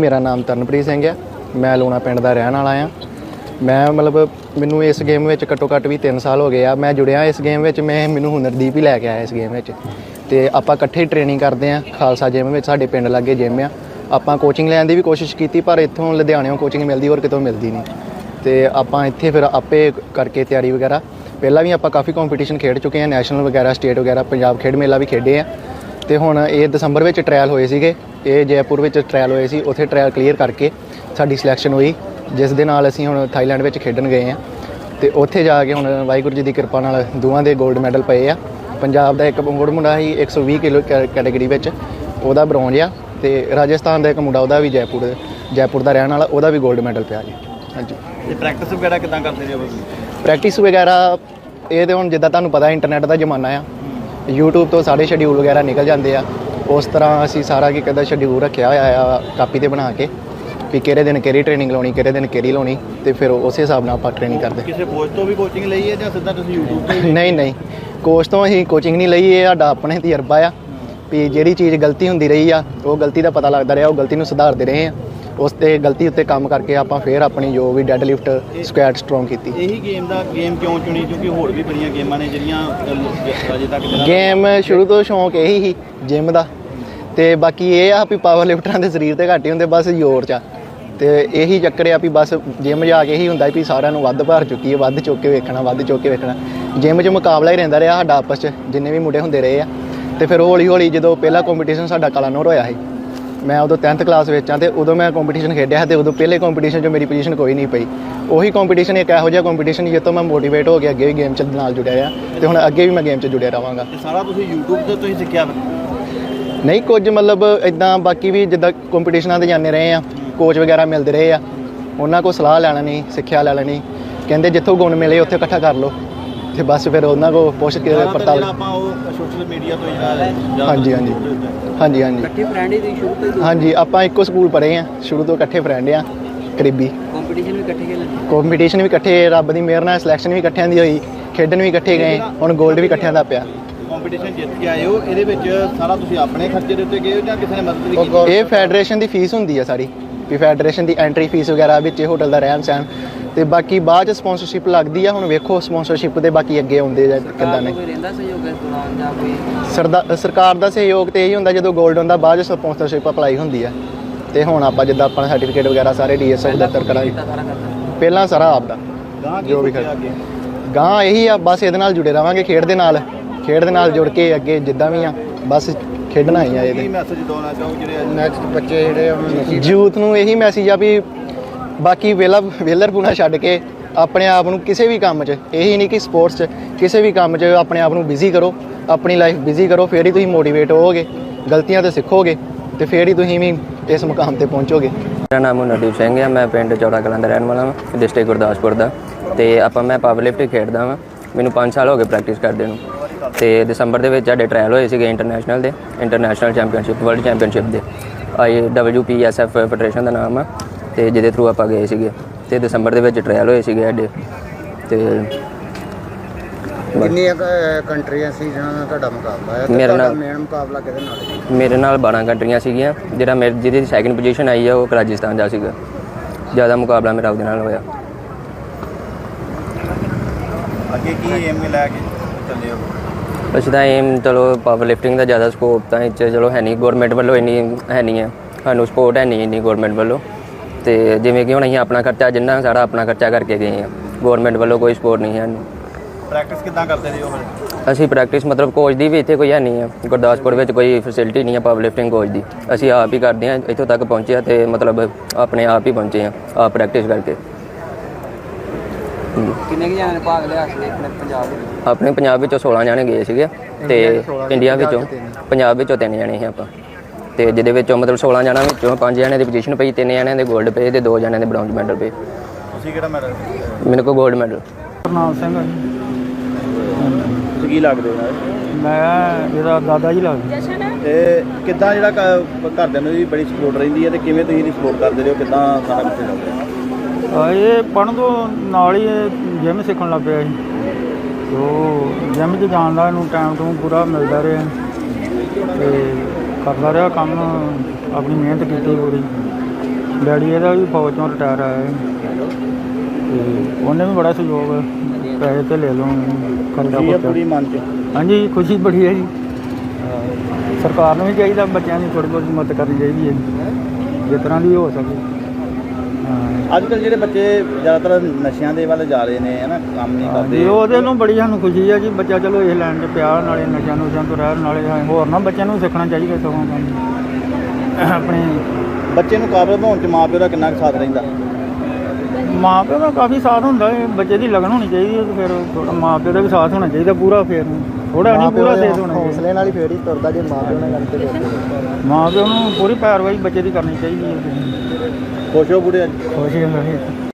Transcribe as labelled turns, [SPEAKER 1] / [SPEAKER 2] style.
[SPEAKER 1] मेरा नाम तरनप्रीत सिंह है। मैं लूणा पिंड का रहने वाला हाँ। मैं मतलब मैनू इस गेम में घट्टो घट्ट भी 3 साल हो गए आ। मैं जुड़िया इस गेम में, मैं मैनू हुनरदीप ही लैके आया इस गेम में। तो आपां इकट्ठे ट्रेनिंग करते हैं खालसा जिम में, साडे पिंड लागे जिम आ। आपां कोचिंग लैण दी भी कोशिश की पर इत्थों लुधियाणों कोचिंग मिलती और कितों मिलती नहीं। तो आपां इत्थे फिर आपे करके तैयारी वगैरह पहला भी आपां काफ़ी कॉम्पीटिशन खेड चुके हैं, नैशनल वगैरह स्टेट वगैरह पंजाब खेड मेला भी खेडे हैं। तो हुण ये दसंबर में ट्रायल होए सीगे, ये जयपुर में ट्रायल होए सी, उत्थे ट्रायल क्लीयर करके साडी सिलैक्शन हुई, जिस दे नाल असीं हुण थाईलैंड में खेडन गए हैं। तो उत्थे जाके हुण वाहिगुरू जी की कृपा नाल दोवां दे गोल्ड मैडल पए आ। पंजाब का एक मुंडा ही 120 किलो कैटेगरी में उहदा ब्रॉन्ज आ, तो राजस्थान का एक मुंडा उहदा भी जयपुर का रहने वाला, उहदा भी गोल्ड मैडल पिया जी। हाँ जी।
[SPEAKER 2] प्रैक्टिस वगैरह किदां करदे हो?
[SPEAKER 1] प्रैक्टिस वगैरह ये तो हुण जिद्दां तुहानूं पता इंटरनेट का जमाना आ, यूट्यूब तो सारे शेड्यूल वगैरह निकल जाते हैं। उस तरह असी सारा की कहता शेड्यूल रखा हुआ कापी ते बना के भी किहड़े दिन किहड़ी ट्रेनिंग लाउणी, किहड़े दिन किहड़ी लाउणी, तो फिर उस हिसाब नाल आपां ट्रेनिंग करते।
[SPEAKER 2] किसी कोच तो भी कोचिंग लई है जां सीधा तुसीं यूट्यूब ते?
[SPEAKER 1] नहीं कोच तो असीं कोचिंग नहीं लई, ये साडा अपने तजर्बा आ भी जिहड़ी चीज़ गलती हुंदी रही आ वो गलती का पता लगता रहा, वो गलती नूं सुधारते रहे हैं। उस ते गलती उत्ते काम करके आपां फिर अपनी जो भी डेड लिफ्ट स्क्वैट स्ट्रोंग की।
[SPEAKER 2] यही गेम क्यों चुनी? क्योंकि होर भी बड़ियां गेमां ने जिहड़ियां अजे तक
[SPEAKER 1] गेम शुरू तो शौक यही ही जिम का, तो बाकी ये आ भी पावर लिफ्टरां दे शरीर ते घट ही हुंदे, बस जोर च। तो यही चक्कर आ भी बस जिम जाके ही हुंदा भी सारिਆਂ ਨੂੰ ਵੱਧ भार चुकी है, ਵੱਧ चुक के वेखना, ਵੱਧ चुक के वेखना। जिम 'ਚ मुकाबला ही रहिंदा रहा साडा आपस 'ਚ, जिन्ने भी मुंडे हुंदे रहे आ। तो फिर हौली हौली जो पहला कॉम्पीटिशन साडा कलानौर होया ਸੀ, मैं उदों 10th क्लास में हाँ, तो उदों मैं कॉम्पीटिशन खेडिया, तो उदों पहले कॉम्पीटिशन मेरी पोजीशन कोई नहीं पई। उही कॉम्पीटिशन एक इहो जिहा कॉम्पीटिशन जित्तों मैं मोटिवेट हो गया, अगे भी गेम च नाल जुड़िया आ, तो हुण अगे भी मैं गेम च जुड़िया रहांगा।
[SPEAKER 2] सारा तुसीं यूट्यूब ते तुसीं सिੱਖਿਆ?
[SPEAKER 1] नहीं कुछ मतलब इदां बाकी भी जिद्दां कॉम्पीटिशनां ते जाने रहे हैं, कोच वगैरह मिलते रहे आ, उन्होंने को सलाह लै लैनी, सिक्ख्या लै लैनी, कहते जिੱਥੋਂ गुण मिले उत्थे इकट्ठा कर लो, तो बस फिर उन्होंने को पुछ के पड़ताल।
[SPEAKER 2] सोशल मीडिया तो
[SPEAKER 1] हाँ जी हाँ जी हाँ जी हाँ जी हाँ जी। आपां इक्को स्कूल पढ़े हैं, शुरू तो इकट्ठे फ्रेंड आ करीबी। कॉम्पीटिशन भी इकट्ठे, रब की मेहर नाल सिलैक्शन भी इकट्ठियां दी होई, खेडन भी इकट्ठे गए, हुण गोल्ड भी इकट्ठियां दा पिया।
[SPEAKER 2] कॉम्पीटिशन जित के आए हो, ਇਹਦੇ ਵਿੱਚ ਸਾਰਾ ਤੁਸੀਂ ਆਪਣੇ ਖਰਚੇ ਦੇ ਉੱਤੇ ਗਏ ਹੋ ਜਾਂ ਕਿਸੇ ਨੇ ਮਦਦ ਵੀ ਕੀਤੀ?
[SPEAKER 1] ਇਹ ਫੈਡਰੇਸ਼ਨ ਦੀ ਫੀਸ ਹੁੰਦੀ ਆ ਸਾਰੀ, ਵੀ ਫੈਡਰੇਸ਼ਨ ਦੀ ਐਂਟਰੀ ਫੀਸ ਵਗੈਰਾ ਵਿੱਚ ਹੋਟਲ ਦਾ ਰਹਿਣ ਸਹਿਣ, ਤੇ ਬਾਕੀ ਬਾਅਦ ਚ ਸਪਾਂਸਰਸ਼ਿਪ ਲੱਗਦੀ ਆ। ਹੁਣ ਵੇਖੋ ਸਪਾਂਸਰਸ਼ਿਪ ਦੇ ਬਾਕੀ ਅੱਗੇ ਆਉਂਦੇ ਜਾਂ ਕਿੱਦਾਂ ਨੇ। ਸਰਕਾਰ ਦਾ ਸਹਿਯੋਗ ਤੇ ਇਹੀ ਹੁੰਦਾ ਜਦੋਂ ਗੋਲਡ ਹੁੰਦਾ, ਬਾਅਦ ਚ ਸਪਾਂਸਰਸ਼ਿਪ ਅਪਲਾਈ ਹੁੰਦੀ ਆ। ਤੇ ਹੁਣ ਆਪਾਂ ਜਿੱਦਾਂ ਆਪਣਾ ਸਰਟੀਫਿਕੇਟ ਵਗੈਰਾ ਸਾਰੇ ਡੀਐਸਐਫ ਦਫ਼ਤਰ ਕਰਾਂਗੇ, ਪਹਿਲਾਂ ਸਾਰਾ ਆਪਦਾ ਜੋ ਵੀ ਗਾਂ ਇਹੀ ਆ, ਬਸ ਇਹਦੇ ਨਾਲ ਜੁੜੇ ਰਵਾਂਗੇ, ਖੇਡ ਦੇ ਨਾਲ ਜੁੜ ਕੇ ਅੱਗੇ ਜਿੱਦਾਂ ਵੀ ਆ ਬਸ ਖੇਡਣਾ ਹੀ ਆ। ਇਹਦੇ
[SPEAKER 2] ਮੈਸੇਜ ਦੇਣਾ ਚਾਹੋ ਜਿਹੜੇ ਨੈਕਸਟ ਬੱਚੇ ਜਿਹੜੇ
[SPEAKER 1] ਯੂਥ ਨੂੰ ਇਹੀ ਮੈਸੇਜ ਆ ਵੀ ਬਾਕੀ ਵੇਲਰਪੂਣਾ ਛੱਡ ਕੇ ਆਪਣੇ ਆਪ ਨੂੰ ਕਿਸੇ ਵੀ ਕੰਮ 'ਚ, ਇਹੀ ਨਹੀਂ ਕਿ ਸਪੋਰਟਸ 'ਚ, ਕਿਸੇ ਵੀ ਕੰਮ 'ਚ ਆਪਣੇ ਆਪ ਨੂੰ ਬਿਜ਼ੀ ਕਰੋ, ਆਪਣੀ ਲਾਈਫ ਬਿਜ਼ੀ ਕਰੋ, ਫਿਰ ਹੀ ਤੁਸੀਂ ਮੋਟੀਵੇਟ ਹੋਵੋਗੇ, ਗਲਤੀਆਂ ਤੋਂ ਸਿੱਖੋਗੇ, ਤੇ ਫਿਰ ਹੀ ਤੁਸੀਂ ਵੀ ਇਸ ਮੁਕਾਮ ਤੇ ਪਹੁੰਚੋਗੇ।
[SPEAKER 3] ਮੇਰਾ ਨਾਮ ਹੁਨਰਦੀਪ ਸਿੰਘ ਹੈ, ਮੈਂ ਪਿੰਡ ਚੌੜਾ ਕਲਾਂ ਦਾ ਰਹਿਣ ਵਾਲਾ ਹਾਂ, ਡਿਸਟ੍ਰਿਕਟ ਗੁਰਦਾਸਪੁਰ ਦਾ। ਤੇ ਮੈਂ ਪਾਵਰ ਲਿਫਟ ਖੇਡਦਾ ਵਾਂ, ਮੈਨੂੰ 5 ਸਾਲ ਹੋ ਗਏ ਪ੍ਰੈਕਟਿਸ ਕਰਦੇ ਨੂੰ। ਤੇ ਦਸੰਬਰ ਦੇ ਵਿੱਚ ਸਾਡੇ ਟਰਾਇਲ ਹੋਏ ਸੀਗੇ ਇੰਟਰਨੈਸ਼ਨਲ ਚੈਂਪੀਅਨਸ਼ਿਪ, ਵਰਲਡ ਚੈਂਪੀਅਨਸ਼ਿਪ ਦੇ, IWPSF ਫੈਡਰੇਸ਼ਨ ਦਾ ਨਾਮ ਆ, ਤੇ ਜਿਹਦੇ ਥਰੂ ਆਪਾਂ ਗਏ ਸੀਗੇ। ਤੇ ਦਸੰਬਰ ਦੇ ਵਿੱਚ ਟਰਾਇਲ ਹੋਏ ਸੀਗੇ ਸਾਡੇ। ਤੇ
[SPEAKER 4] ਕਿੰਨੀਆਂ ਕੰਟਰੀਆਂ ਸੀ ਜਿਹਨਾਂ ਨਾਲ ਤੁਹਾਡਾ ਮੁਕਾਬਲਾ ਹੈ?
[SPEAKER 3] ਮੇਰੇ ਨਾਲ
[SPEAKER 4] ਮੇਨ ਮੁਕਾਬਲਾ ਕਿਹਦੇ ਨਾਲ ਸੀ?
[SPEAKER 3] ਮੇਰੇ ਨਾਲ 12 ਕੰਟਰੀਆਂ ਸੀਗੀਆਂ, ਜਿਹਦੀ ਸੈਕਿੰਡ ਪੋਜੀਸ਼ਨ ਆਈ ਆ ਉਹ ਰਾਜਸਥਾਨ ਦਾ ਸੀਗਾ। ਜ਼ਿਆਦਾ ਮੁਕਾਬਲਾ ਮੇਰਾ ਉਹਦੇ ਨਾਲ ਹੋਇਆ।
[SPEAKER 2] ਅੱਗੇ ਕੀ ਏਮ ਲੈ ਕੇ ਚੱਲੇ ਹੋ?
[SPEAKER 3] ਅਸੀਂ ਤਾਂ ਏਮ ਚਲੋ ਪਾਵਰ ਲਿਫਟਿੰਗ ਦਾ ਜ਼ਿਆਦਾ ਸਕੋਪ ਤਾਂ ਇੱਥੇ ਚਲੋ ਹੈ ਨਹੀਂ, ਗੌਰਮੈਂਟ ਵੱਲੋਂ ਇੰਨੀ ਹੈ ਨਹੀਂ ਹੈ, ਸਾਨੂੰ ਸਪੋਰਟ ਹੈ ਨਹੀਂ ਇੰਨੀ ਗੌਰਮੈਂਟ ਵੱਲੋਂ। ਅਤੇ ਜਿਵੇਂ ਕਿ ਹੁਣ ਅਸੀਂ ਆਪਣਾ ਖਰਚਾ ਜਿੰਨਾ ਸਾਰਾ ਆਪਣਾ ਖਰਚਾ ਕਰਕੇ ਗਏ ਹਾਂ, ਗੌਰਮੈਂਟ ਵੱਲੋਂ ਕੋਈ ਸਪੋਰਟ ਨਹੀਂ ਹੈ ਸਾਨੂੰ।
[SPEAKER 2] ਪ੍ਰੈਕਟਿਸ ਕਿੱਦਾਂ ਕਰਦੇ ਜੀ ਉਹ?
[SPEAKER 3] ਅਸੀਂ ਪ੍ਰੈਕਟਿਸ ਮਤਲਬ ਕੋਚ ਦੀ ਵੀ ਇੱਥੇ ਕੋਈ ਹੈ ਨਹੀਂ ਹੈ, ਗੁਰਦਾਸਪੁਰ ਵਿੱਚ ਕੋਈ ਫੈਸਿਲਿਟੀ ਨਹੀਂ ਹੈ ਪਾਵਰ ਲਿਫਟਿੰਗ ਕੋਚ ਦੀ। ਅਸੀਂ ਆਪ ਹੀ ਕਰਦੇ ਹਾਂ, ਇੱਥੋਂ ਤੱਕ ਪਹੁੰਚੇ ਹਾਂ ਅਤੇ ਮਤਲਬ ਆਪਣੇ ਆਪ ਹੀ ਪਹੁੰਚੇ ਹਾਂ, ਆਪ ਪ੍ਰੈਕਟਿਸ ਕਰਕੇ।
[SPEAKER 4] ਕਿੰਨੇ ਕੁ ਜਣਿਆਂ ਨੇ ਭਾਗ ਲਿਆ ਸੀ ਆਪਣੇ ਪੰਜਾਬ ਵਿੱਚ?
[SPEAKER 3] ਆਪਣੇ ਪੰਜਾਬ ਵਿੱਚੋਂ 16 ਜਣੇ ਗਏ ਸੀਗੇ, ਅਤੇ ਇੰਡੀਆ ਵਿੱਚੋਂ ਪੰਜਾਬ ਵਿੱਚੋਂ 3 ਜਣੇ ਸੀ ਆਪਾਂ। ਅਤੇ ਜਿਹਦੇ ਵਿੱਚੋਂ ਮਤਲਬ 16 ਜਣਾਂ ਵਿੱਚੋਂ 5 ਜਣਿਆਂ ਦੀ ਪੋਜੀਸ਼ਨ ਪਈ, 3 ਜਣਿਆਂ ਦੇ ਗੋਲਡ ਪਏ ਅਤੇ 2 ਜਣਿਆਂ ਦੇ ਬ੍ਰੌਂਜ ਮੈਡਲ ਪਏ।
[SPEAKER 2] ਤੁਸੀਂ ਕਿਹੜਾ ਮੈਡਲ?
[SPEAKER 3] ਮੇਰੇ ਕੋਲ ਗੋਲਡ ਮੈਡਲ।
[SPEAKER 5] ਕਰਨਾਲ ਸਿੰਘ ਆ ਜੀ।
[SPEAKER 2] ਤੁਸੀਂ ਕੀ ਲੱਗਦੇ ਹੋ?
[SPEAKER 5] ਮੈਂ ਇਹਦਾ ਦਾਦਾ ਜੀ ਲੱਗਦਾ।
[SPEAKER 2] ਤੇ ਕਿੱਦਾਂ ਜਿਹੜਾ ਘਰਦਿਆਂ ਨੂੰ ਵੀ ਬੜੀ ਸਪੋਰਟ ਰਹਿੰਦੀ ਹੈ, ਅਤੇ ਕਿਵੇਂ ਤੁਸੀਂ ਇਹਦੀ ਸਪੋਰਟ ਕਰਦੇ ਹੋ? ਕਿੱਦਾਂ ਸਾਰਾ ਕੁਛ ਚੱਲਦਾ?
[SPEAKER 5] ਇਹ ਪੜ੍ਹਨ ਤੋਂ ਨਾਲ ਹੀ ਜਿਮ ਸਿੱਖਣ ਲੱਗ ਪਿਆ ਸੀ, ਉਹ ਜਿਮ 'ਚ ਜਾਣ ਦਾ ਇਹਨੂੰ ਟਾਈਮ ਟੂ ਪੂਰਾ ਮਿਲਦਾ ਰਿਹਾ, ਅਤੇ ਕਰਦਾ ਰਿਹਾ ਕੰਮ, ਆਪਣੀ ਮਿਹਨਤ ਕੀਤੀ ਪੂਰੀ। ਡੈਡੀ ਇਹਦਾ ਵੀ ਫੌਜ ਚੋਂ ਰਿਟਾਇਰ ਆਇਆ ਹੈ ਤੇ ਉਹਨੇ ਵੀ ਬੜਾ ਸਹਿਯੋਗ ਪੈਸੇ ਤੇ ਲੈ ਲਓ ਖਰਚਾ
[SPEAKER 2] ਖੁਸ਼ੀ ਹੈ
[SPEAKER 5] ਖੁਰਚਾ।
[SPEAKER 2] ਪੂਰੀ ਮਨ 'ਚ
[SPEAKER 5] ਹਾਂਜੀ ਖੁਸ਼ੀ ਬੜੀ ਹੈ ਜੀ ਸਰਕਾਰ ਨੂੰ ਵੀ ਚਾਹੀਦਾ ਬੱਚਿਆਂ ਦੀ ਥੋੜ੍ਹੀ ਬਹੁਤ ਮਦਦ ਕਰਨੀ ਚਾਹੀਦੀ ਹੈ ਜਿਸ ਤਰ੍ਹਾਂ ਦੀ ਹੋ ਸਕੇ ਹਾਂ
[SPEAKER 2] ਅੱਜ ਕੱਲ੍ਹ ਜਿਹੜੇ ਬੱਚੇ ਜ਼ਿਆਦਾਤਰ ਨਸ਼ਿਆਂ ਦੇ ਵੱਲ ਜਾ ਰਹੇ ਨੇ ਹੈ ਨਾ, ਕੰਮ ਨਹੀਂ
[SPEAKER 5] ਜੀ
[SPEAKER 2] ਕਰਦੇ।
[SPEAKER 5] ਉਹਦੇ ਨੂੰ ਬੜੀ ਸਾਨੂੰ ਖੁਸ਼ੀ ਹੈ ਜੀ ਬੱਚਾ ਚਲੋ ਇਹ ਲੈਣ 'ਚ ਪਿਆ ਨਾਲੇ ਨਸ਼ਿਆਂ ਨੁਸ਼ਿਆਂ ਤੋਂ ਰਹਿਣ ਨਾਲੇ ਹੋਰ ਨਾ ਬੱਚਿਆਂ ਨੂੰ ਸਿੱਖਣਾ ਚਾਹੀਦਾ ਸਗੋਂ ਕੰਮ ਆਪਣੇ
[SPEAKER 2] ਬੱਚੇ ਨੂੰ ਕਾਬਲ ਬਣਾਉਣ 'ਚ ਮਾਂ ਪਿਓ ਦਾ ਕਿੰਨਾ ਕੁ ਸਾਥ ਰਹਿੰਦਾ?
[SPEAKER 5] ਮਾਂ ਪਿਓ ਦਾ ਕਾਫੀ ਸਾਥ ਹੁੰਦਾ ਹੈ ਬੱਚੇ ਦੀ ਲਗਨ ਹੋਣੀ ਚਾਹੀਦੀ ਹੈ ਤੇ ਫਿਰ ਥੋੜਾ ਮਾਂ ਪਿਓ ਦਾ ਵੀ ਸਾਥ ਹੋਣਾ ਚਾਹੀਦਾ ਪੂਰਾ ਫਿਰ ਥੋੜਾ ਨਹੀਂ ਪੂਰਾ ਸਾਥ ਹੋਣਾ ਚਾਹੀਦਾ
[SPEAKER 1] ਹੌਸਲੇ ਨਾਲ ਹੀ ਫੇਰ ਹੀ ਤੁਰਦਾ ਜੇ ਮਾਂ ਪਿਓ ਨਾਲ ਗੱਲ ਤੇ
[SPEAKER 5] ਮਾਂ ਪਿਓ ਨੂੰ ਪੂਰੀ ਪੈਰਵਾਈ ਬੱਚੇ ਦੀ ਕਰਨੀ ਚਾਹੀਦੀ ਹੈ
[SPEAKER 2] ਖੁਸ਼ ਹੋ ਬੁੜੇ ਅੱਜ?
[SPEAKER 5] ਖੁਸ਼ ਹੋਣਾ